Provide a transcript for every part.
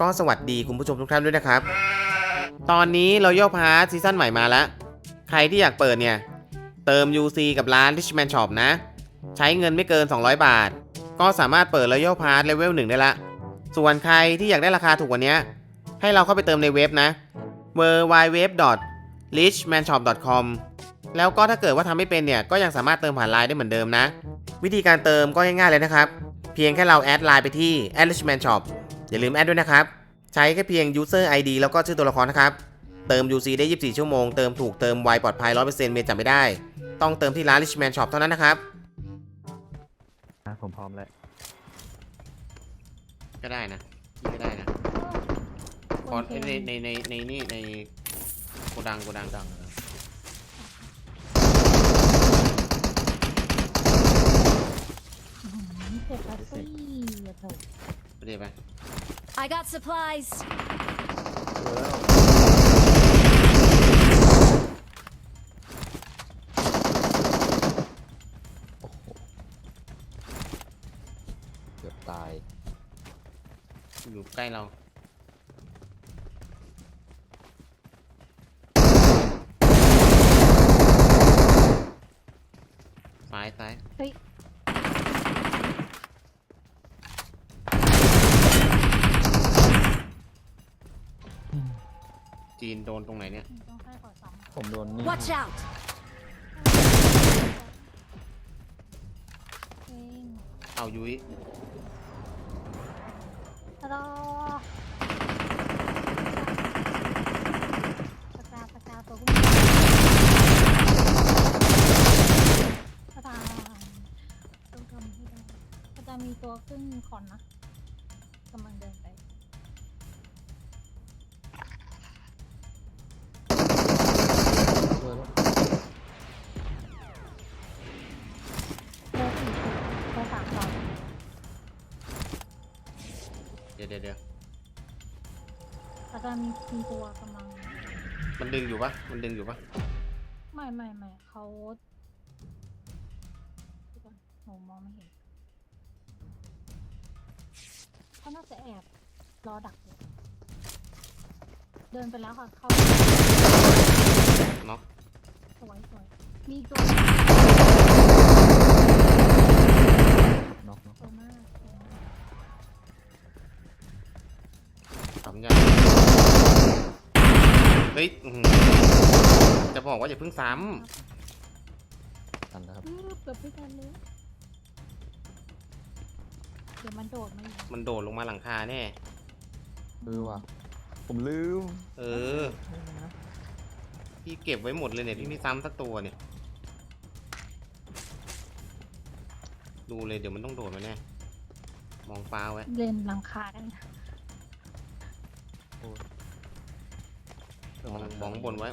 ก็สวัสดีคุณผู้ชมทุกท่านด้วยนะครับตอนนี้เราย่อพาร์ทซีซั่นใหม่มาแล้วใครที่อยากเปิดเนี่ยเติม UC กับร้าน Richman Shop นะใช้เงินไม่เกิน200 บาทก็สามารถเปิดแล้วย่อพาร์ทเลเวล 1ได้ละส่วนใครที่อยากได้ราคาถูกกว่านี้ให้เราเข้าไปเติมในเว็บนะ www.richmanshop.com แล้วก็ถ้าเกิดว่าทำไม่เป็นเนี่ยก็ยังสามารถเติมผ่านไลน์ได้เหมือนเดิมนะวิธีการเติมก็ง่ายๆเลยนะครับเพียงแค่เราแอดไลน์ไปที่ @richmanshop อย่าลืมแอดด้วยนะครับใช้แค่เพียง user ID แล้วก็ชื่อตัวละครนะครับเติม UC ได้24ชั่วโมงเติมถูกเติมไวปลอดภัย 100% เมย์จำไม่ได้ต้องเติมที่ร้าน Richman Shop เท่านั้นนะครับผมพร้อมแล้วก็ได้นะก็ได้นะพอในโกดังเก็บปัสซี่อย่าถูกไปเดี๋ยวไป I got supplies. โอ้โหเกือบตายอยู่ใกล้เราซ้ายเฮ้ยจีนโดนตรงไหนเนี่ยต้องให้ขอซ้ำผมโดนนี่ Watch out. เองเอายุ้ยรอประกาตัวคุณประกาต้องทำให้ได้ประกามีตัวขึ้นคอนนะกำลังเดินไปเดี๋ยวแล้วก็มีตัวกำลังมันดึงอยู่ปะไม่เขาหนูมองไม่เห็นเขาน่าจะแอบรอดักอยู่เดินไปแล้วค่ะเขาน็อกสวยมีตัวน็อกตัวมากทำยาเฮ้ยจะบอกว่าอย่าเพิ่งซ้ทันแล้วครับเกือบไม่ทันเลยเดี๋ยวมันโดดมาอีกมันโดดลงมาหลังคาแน่ว่ะผมลืมพี่เก็บไว้หมดเลยเนี่ยพี่ไม่ซ้ำสักตัวเนี่ยดูเลยเดี๋ยวมันต้องโดดมาแน่มองฟ้าไว้เล่นหลังคาได้มองบนไว้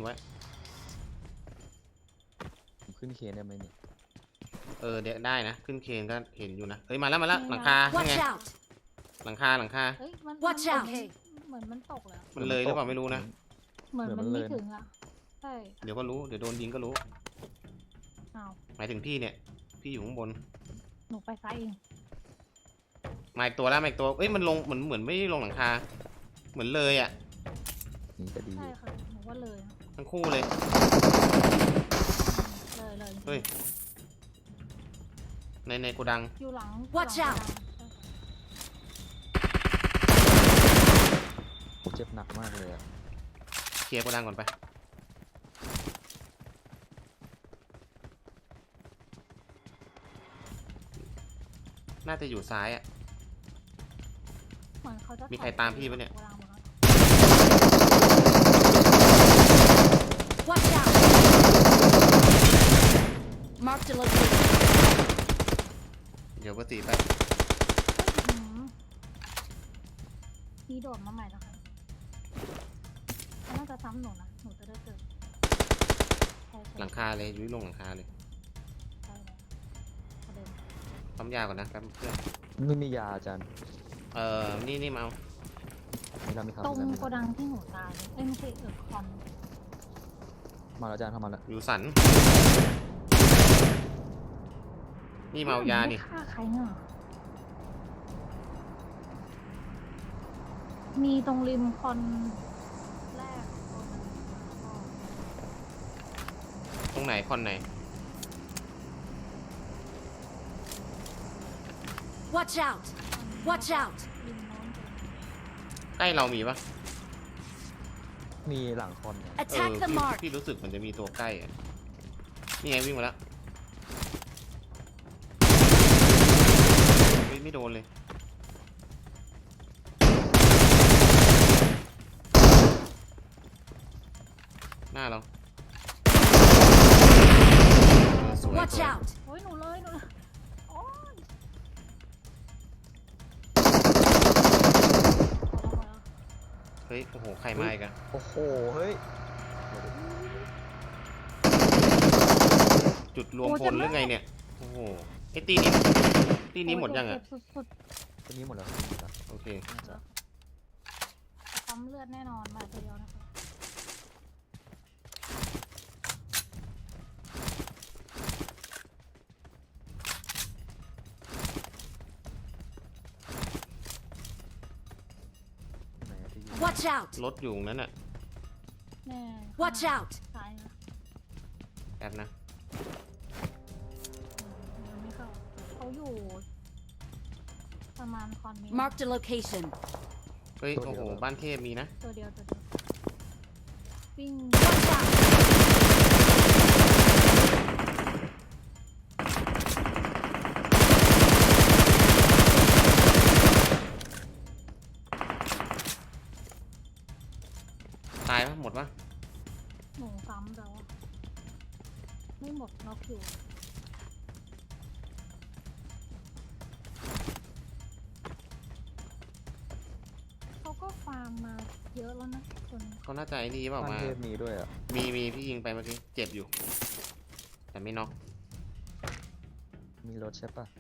ผมขึ้นเคนได้ไหมเนี่ยเดี๋ยวได้นะขึ้นเคนก็เห็นอยู่นะเฮ้ยมาแล้วหลังคาไงหลังคาเฮ้ยมัน Watch out. เหมือนมันตกแล้วมันเลยหรือเปล่าไม่รู้นะเหมือนมันไม่ถึงอ่ะใช่เดี๋ยวก็รู้เดี๋ยวโดนยิงก็รู้หมายถึงพี่เนี่ยพี่อยู่ข้างบนหนูไปซ้ายเองมาอีกตัวเอ้ยมันลงเหมือนไม่ลงหลังคาเหมือนเลยอ่ะนี่จะดีใช่ค่ะหนูว่าเลยทั้งคู่เลยเฮ้ยในโกดังอยู่หลัง Watch out ผมเจ็บหนักมากเลยอะเคลียร์โกดังก่อนไปน่าจะอยู่ซ้ายอ่ะมีใครตามพี่ปะเนี่ย Watch out. Mark the location. เดี๋ยวก็ตีไปพี่โดดมาใหม่แล้วค่ะเขาน่าจะซ้ำหนูนะหนูจะได้เจอหลังคาเลยยุ้ยลงหลังคาเลยใช่แล้วปั๊มยาก่อนนะครับเพื่อนไม่มียาอาจารย์นี่มาเอาตรงโกดังที่หนูตายไม่ใช่คอนมาแล้วอาจารย์เข้ามาแล้วอยู่สันนี่เมายานี่ฆ่าใครเนาะมีตรงริมคอนแรกตัวนึงตรงไหนคอนไหน Watch out! Watch out! ริมโน้นใกล้เรามีปะมีหลังคอนเนี่ย Attack the พี่ mark! พี่รู้สึกมันจะมีตัวใกล้อะนี่ไงวิ่งมาแล้วไม่โดนเลยหน้าเราสวย Watch สวย out! โอ้ยหนูเลยโอ้ยพอแล้วเฮ้ยโอ้โหใครมาอีกอะโอ้โห เฮ้ยจุดรวมพลหรือไงเนี่ยโอ้โหไอ้ตีนี้หมดยังอะสุดตัวนี้หมดแล้วตัวนี้หมดแล้วโอเคน่าจะๆปั๊มเลือดแน่นอนมาตัวเดียวนะคะไหนอะที่ยิง Watch out! รถอยู่ตรงนั้นอะแน่ Watch out! ซ้ายนะแป๊บนะยังไม่เข้าเขาอยู่ประมาณคอนนี้ Marked a location. เฮ้ยโอ้โหบ้านเทพมีนะตัวเดียววิ่ง Watch out! ตายปะหมดปะหนูซ้ำแล้วอะไม่หมดน็อกอยู่เขาก็ฟาร์มมาเยอะแล้วนะจนเขาน่าจะไอ้นี่เปล่าบ้านมาเทพมีด้วยอ่ะมีพี่ยิงไปเมื่อกี้เจ็บอยู่ แต่ไม่น็อกมีรถใช่ปะ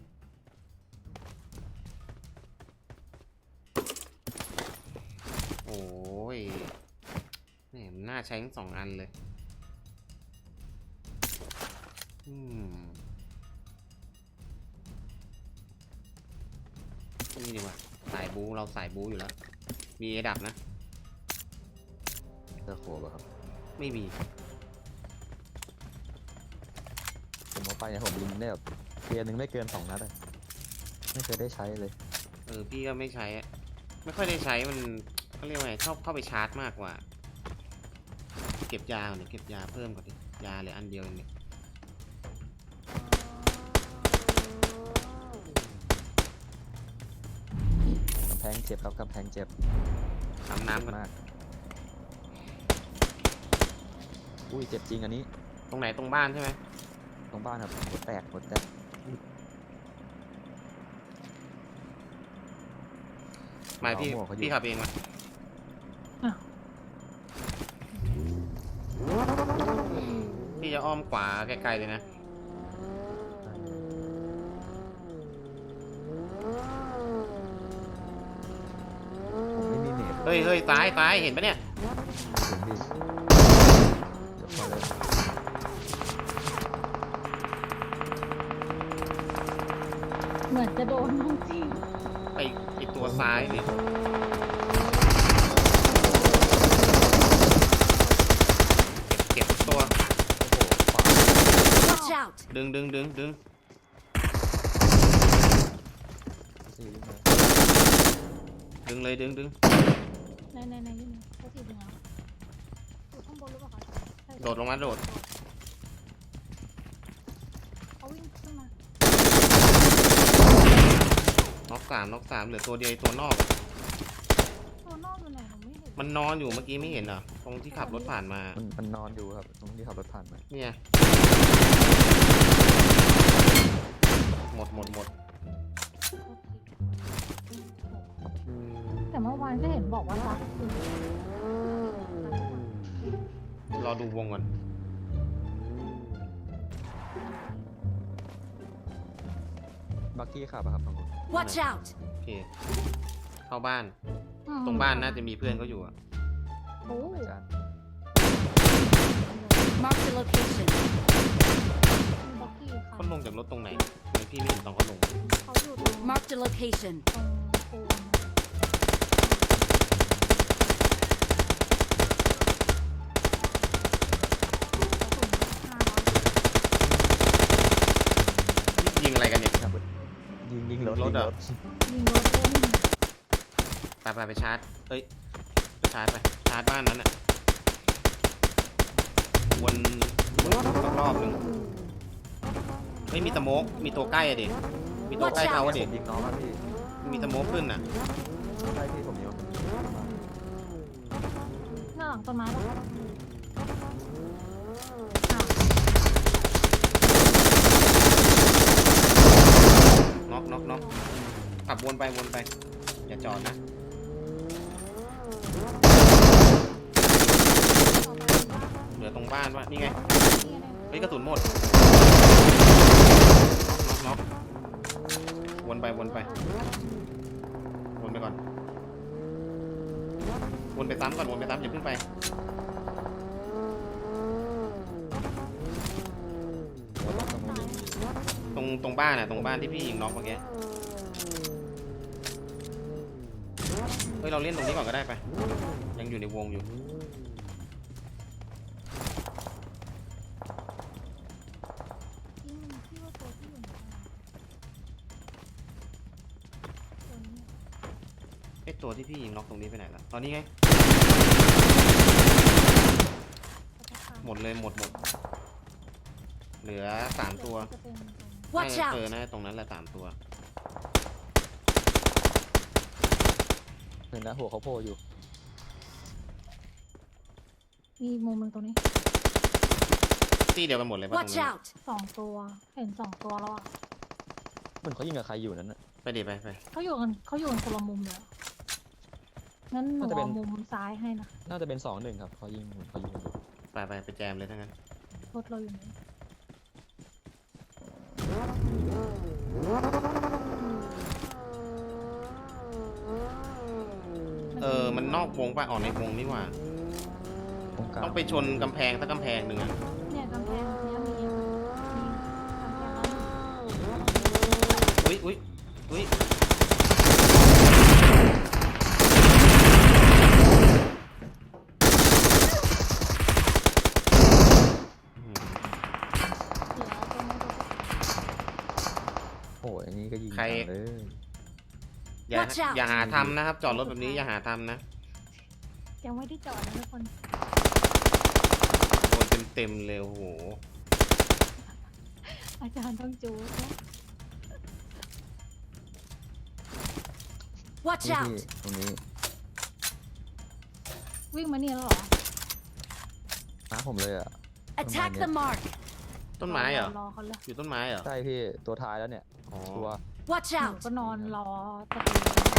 โอ้ยแหมมันน่าใช้ทั้งสองอันเลย นี่ดีกว่าสายบูเราสายบูอยู่แล้ว มีระดับนะเจอโคบอะครับไม่มีผมเอาไปเนี่ยผมยิงได้แบบเทียร์หนึ่งไม่เกิน2 นัดอะไม่เคยได้ใช้เลยพี่ก็ไม่ใช้อะไม่ค่อยได้ใช้มันเขาเรียกว่าไงชอบเข้าไปชาร์จมากกว่า เก็บยาเนี่ยเก็บยาเพิ่มก่อนดิยาเหลืออันเดียวเองเนี่ยกำแพงเจ็บครับกำแพงเจ็บทำน้ำก่อนมาก อุ้ยเจ็บจริงอันนี้ตรงไหนตรงบ้านใช่ไหมตรงบ้านครับหัวแตกมาพี่เอาหมวกเขาอยู่พี่ขับเองมา พี่จะอ้อมขวาไกลๆเลยนะผมไม่มีเน็ตเฮ้ยตายเห็นปะเนี่ยถึงดิเดี๋ยวพอเลยเหมือนจะโดนน้องจริงไอตัวซ้ายเนี่ยเก็บตัว Watch out! ดึงสี่วิ่งมาดึงเลยดึงในนี่นี่ก็สีเหลืองอยู่ข้างบนหรือเปล่าคะใช่โดดลงมาโดดเขาวิ่งขึ้นมาน็อกสามเหลือตัวเดียวไอ้ตัวนอกอะตัวนอกอยู่ไหนหนูไม่เห็นมันนอนอยู่เมื่อกี้ไม่เห็นเหรอตรงที่ขับรถผ่านมามันนอนอยู่ครับตรงที่ขับรถผ่านมาเนี่ยหมดแต่เมื่อวานก็เห็นบอกว่ารักคือรอดูวงก่อนบักกี้ขับอะครับบางคน Watch out! โอเคเข้าบ้าน ตรงบ้านน่าจะมีเพื่อนเขาอยู่อะโอ้อาจารย์ Marked a location. บ็อกกี้ค่ะเขาลงจากรถตรงไหนทำไมพี่ไม่เห็นตอนเขาลงเขาอยู่ตรง Marked a location. ตรงปูนถอ่ะยิงรถด้วยนี่ไปชาร์จเอ้ยไปชาร์จบ้านนั้นอ่ะวนรอบๆหนึ่งเฮ้ยมีสโมกมีตัวใกล้อะดิมีตัวใกล้เขาอะดิผมยิงน้องอะพี่มีสโมกขึ้นอ่ะใช่พี่ผมยิงหน้าหลังต้นไม้ปะอ้าวน็อกขับวนไปอย่าจอดนะต่อไปว่าเหลือตรงบ้านวะนี่ไงนี่อะไรเฮ้ยกระสุนหมดน็อกวนไปก่อนวนไปซ้ำอย่าเพิ่งไป ตรงบ้านอ่ะตรงบ้านที่พี่ยิงน็อกเมื่อกี้เฮ้ยเราเล่นตรงนี้ก่อนก็ได้ไปยังอยู่ในวงอยู่ที่ว่าตัวที่อยู่ไหนตัวนี้ไอตัวที่พี่ยิงน็อกตรงนี้ไปไหนละตอนนี้ไงเขาจะฆ่าหมดเลยหมดเหลือ3ตัวจะเป็นตรง Watch น่า out! จะตรงนั้นแหละ3ตัวเห็นนะหัวเขาโผล่อยู่มีมุมหนึ่งตรงนี้ที่เดียวกันหมดเลยป่ะตรง Watch นี้ out! 2 ตัวเห็น2 ตัวแล้วอ่ะเหมือนเขายิงกับใครอยู่นั้นน่ะไปดิไปเขาอยู่กันคนละมุมเลยอะงั้นหนูน่าจะเป็นเอามุมซ้ายให้นะน่าจะเป็น2-1ครับเขายิงอยู่ไปแจมเลยทั้งนั้นรถเราอยู่ไหนมันนอกวงป่ะออกในวงนี่หว่าตรงกลางต้องไปชนกำแพงสักกำแพงหนึ่งอ่ะเนี่ยกำแพงเนี้ยมีอะมีกำแพงแล้วหนึ่งอุ้ยอื้อหือเหลือตรงนี้นโอ้ยอันนี้ก็ยิงใครจังเลยอย่าหาทำนะครับ จอดรถแบบนี้อย่าหาทำนะยังไม่ได้จอดนะทุกคนโดนเต็มเลยโอ้โหอาจารย์ต้องจู๊ดนะ Watch นี่ out! พี่ตรงนี้วิ่งมานี่แล้วเหรอน้าผมเลยอ่ะ Attack the mark! ต้นไม้เหรอรอเขาเลยอยู่ต้นไม้เหรอใช่พี่ตัวท้ายแล้วเนี่ยอ๋อตัว Watch หนู out! ก็นอนรอตะ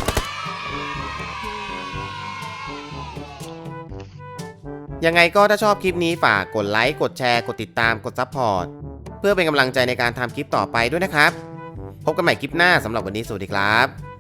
เกียงยังไงก็ถ้าชอบคลิปนี้ฝากกดไลค์กดแชร์กดติดตามกดซับพอร์ตเพื่อเป็นกำลังใจในการทำคลิปต่อไปด้วยนะครับ พบกันใหม่คลิปหน้าสำหรับวันนี้สวัสดีครับ